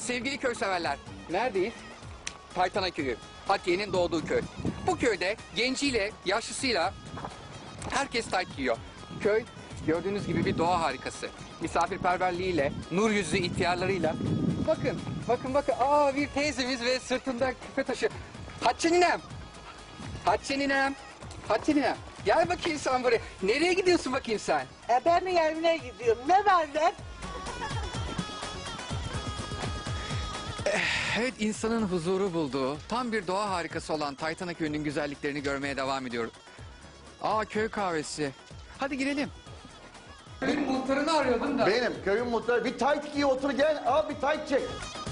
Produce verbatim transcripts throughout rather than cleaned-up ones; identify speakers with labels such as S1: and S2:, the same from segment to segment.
S1: Sevgili köy severler, neredeyiz? Taytana köyü, Atiye'nin doğduğu köy. Bu köyde genciyle, yaşlısıyla herkes tayt giyiyor. Köy gördüğünüz gibi bir doğa harikası. Misafirperverliğiyle, nur yüzlü ihtiyarlarıyla. Bakın, bakın, bakın. Aa, bir teyzemiz ve sırtında küpe taşı. Hatice ninem. Hatice ninem. Hatice ninem. Gel bakayım sen buraya. Nereye gidiyorsun bakayım sen?
S2: E ben mi evine gidiyorum? Ne var lan?
S1: Evet, insanın huzuru bulduğu, tam bir doğa harikası olan Taytana köyünün güzelliklerini görmeye devam ediyoruz. Aa, köy kahvesi. Hadi girelim. Köyün muhtarını arıyordum da.
S3: Benim köyün muhtarı. Bir tayt giy otur gel. Al bir tayt çek.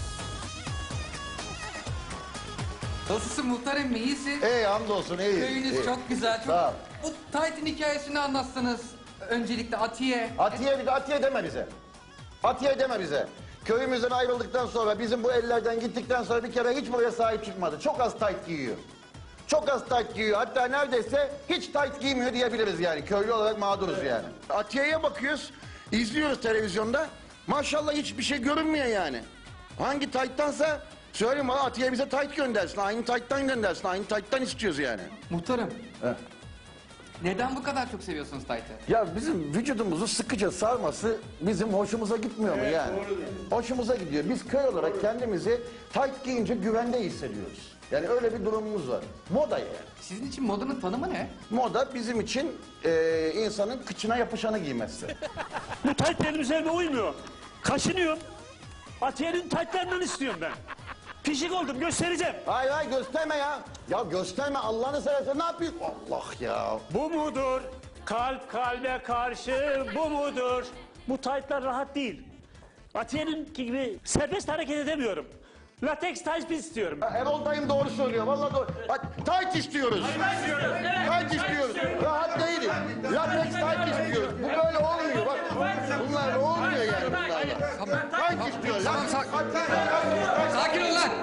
S1: Nasılsın muhtarım, iyisin?
S3: İyi hamdolsun iyi.
S1: Köyünüz
S3: iyi.
S1: çok güzel. Çok...
S3: Sağ ol.
S1: Bu Tayt'in hikayesini anlatsanız. Öncelikle Atiye.
S3: Atiye bir de Atiye deme bize. Atiye deme bize. Köyümüzden ayrıldıktan sonra bizim bu ellerden gittikten sonra bir kere hiç buraya sahip çıkmadı. Çok az tayt giyiyor. Çok az tayt giyiyor. Hatta neredeyse hiç tayt giymiyor diyebiliriz yani. Köylü olarak mağduruz yani. Atiye'ye bakıyoruz, izliyoruz televizyonda. Maşallah hiçbir şey görünmüyor yani. Hangi tayttansa söyleyeyim bana, Atiye bize tayt göndersin. Aynı tayttan göndersin. Aynı tayttan istiyoruz yani.
S1: Muhtarım.
S3: He.
S1: Neden bu kadar çok seviyorsunuz Tayt'ı?
S3: Ya bizim vücudumuzu sıkıca sarması bizim hoşumuza gitmiyor mu yani? Hoşumuza gidiyor. Biz köy olarak kendimizi tayt giyince güvende hissediyoruz. Yani öyle bir durumumuz var. Moda yani.
S1: Sizin için modanın tanımı ne?
S3: Moda bizim için e, insanın kıçına yapışanı giymesi.
S4: Bu tayt benim üzerime uymuyor. Kaşınıyorum. Atiye'nin taytlarından istiyorum ben. Pişik oldum, göstereceğim.
S3: Hayır hayır gösterme ya. Ya gösterme Allah'ını seversen, ne yapıyorsun? Allah ya.
S4: Bu mudur? Kalp kalbe karşı bu mudur? Bu taytlar rahat değil. Atiye'nin gibi serbest hareket edemiyorum. Lateks tayt istiyorum.
S3: Ya Erol dayım doğru söylüyor. Vallahi doğru. Bak tayt istiyoruz. Tayt istiyoruz. Rahat değiliz. Latex tayt istiyoruz. Bu böyle olmuyor. Bak bunlar olmuyor yani bunlarla. Tayt istiyoruz.
S1: Tamam, sak- Sakin ol lan.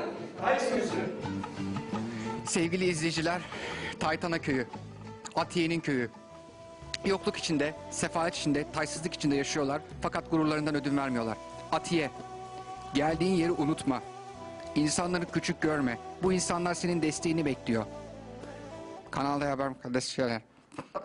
S1: Sevgili izleyiciler, Taytana köyü, Atiye'nin köyü. Yokluk içinde, sefalet içinde, taysızlık içinde yaşıyorlar. Fakat gururlarından ödün vermiyorlar. Atiye, geldiğin yeri unutma. İnsanları küçük görme. Bu insanlar senin desteğini bekliyor. Kanalda haber kardeşler.